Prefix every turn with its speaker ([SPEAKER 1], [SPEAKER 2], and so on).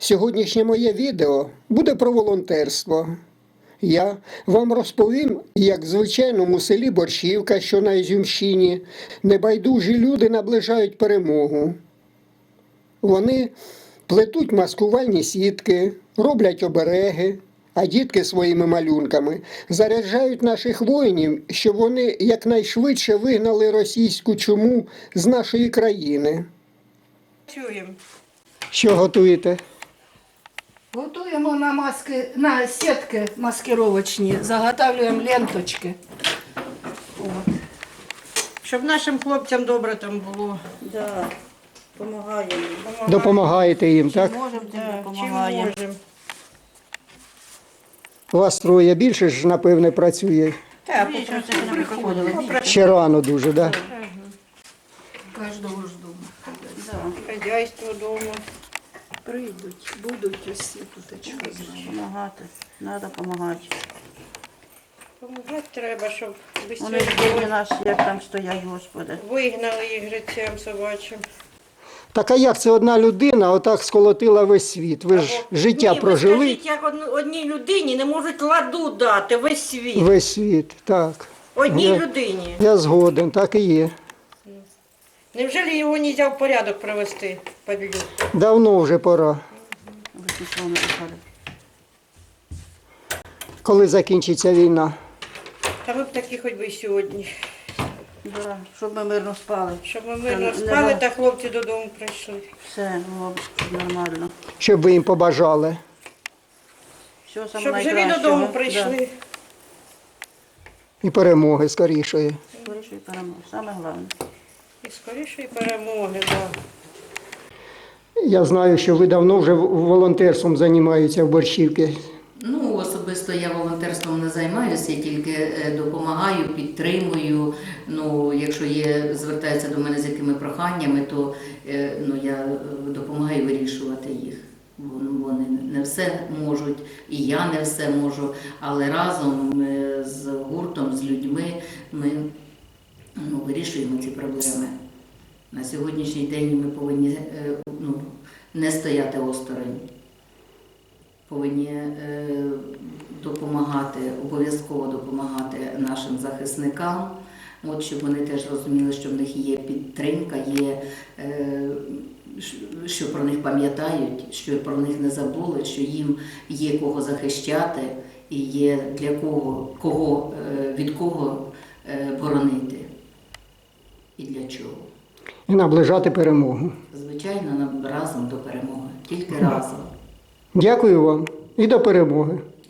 [SPEAKER 1] Сьогоднішнє моє відео буде про волонтерство. Я вам розповім, як в звичайному селі Борщівка, що на Ізюмщині, небайдужі люди наближають перемогу. Вони плетуть маскувальні сітки, роблять обереги, а дітки своїми малюнками заряджають наших воїнів, щоб вони якнайшвидше вигнали російську чуму з нашої країни.
[SPEAKER 2] Чуємо.
[SPEAKER 1] Що готуєте?
[SPEAKER 3] Готуємо на сітки маскировочні, заготовлюємо ленточки. От.
[SPEAKER 2] Щоб нашим хлопцям добре там було.
[SPEAKER 4] Да, допомагаємо.
[SPEAKER 1] Допомагаєте їм, так?
[SPEAKER 3] Можемо,
[SPEAKER 2] Да, чим
[SPEAKER 4] допомагаємо.
[SPEAKER 2] можемо.
[SPEAKER 1] У вас троє, більше ж, напевне, працює.
[SPEAKER 2] Так,
[SPEAKER 4] Більше це не приходили.
[SPEAKER 1] Ще рано дуже, так? Да?
[SPEAKER 3] кожного ж дома.
[SPEAKER 4] Да,
[SPEAKER 2] хазяйство вдома.
[SPEAKER 3] Прийдуть, будуть усі тут, що знаємо.
[SPEAKER 4] допомагати. Треба допомагати.
[SPEAKER 2] Помагати треба, щоб
[SPEAKER 4] Вони ж бідні наші, як там стоять, Господи.
[SPEAKER 2] вигнали їх життям собачим.
[SPEAKER 1] Так а як це одна людина отак сколотила весь світ? Ви ж життя
[SPEAKER 2] Ні,
[SPEAKER 1] прожили,
[SPEAKER 2] ви скажіть, як одній людині не можуть ладу дати весь світ.
[SPEAKER 1] весь світ, так.
[SPEAKER 2] Одній людині.
[SPEAKER 1] Я згоден, так і є.
[SPEAKER 2] Невже його не можна в порядок привести, падлюку?
[SPEAKER 1] Давно вже пора.
[SPEAKER 4] Ви нічого не писали.
[SPEAKER 1] Коли закінчиться війна?
[SPEAKER 2] Та ми б такі хоч би й сьогодні.
[SPEAKER 4] Да, щоб ми мирно спали.
[SPEAKER 2] Щоб ми мирно
[SPEAKER 4] Та,
[SPEAKER 2] спали
[SPEAKER 4] не-
[SPEAKER 2] та хлопці додому прийшли.
[SPEAKER 4] Все було б нормально.
[SPEAKER 1] Щоб ви їм побажали.
[SPEAKER 4] Все саме
[SPEAKER 2] Щоб живі
[SPEAKER 4] найкращого.
[SPEAKER 2] додому прийшли.
[SPEAKER 1] І перемоги скорішої.
[SPEAKER 4] Да. Скоріше і перемога. Саме головне.
[SPEAKER 2] І скорішої перемоги, так.
[SPEAKER 1] Я знаю, що ви давно вже волонтерством займаєтеся в Борщівці.
[SPEAKER 5] Ну, особисто я волонтерством не займаюся, я тільки допомагаю, підтримую. Ну, якщо звертаються до мене з якими проханнями, то я допомагаю вирішувати їх. Вони не все можуть, і я не все можу, але разом з гуртом, з людьми ми вирішуємо ці проблеми. На сьогоднішній день ми повинні не стояти осторонь. Повинні допомагати, обов'язково допомагати нашим захисникам, щоб вони теж розуміли, що в них є підтримка, що про них пам'ятають, що про них не забули, що їм є кого захищати і є для від кого боронити і для чого.
[SPEAKER 1] І наближати перемогу.
[SPEAKER 5] Звичайно, нам разом до перемоги, тільки разом.
[SPEAKER 1] Дякую вам і до перемоги.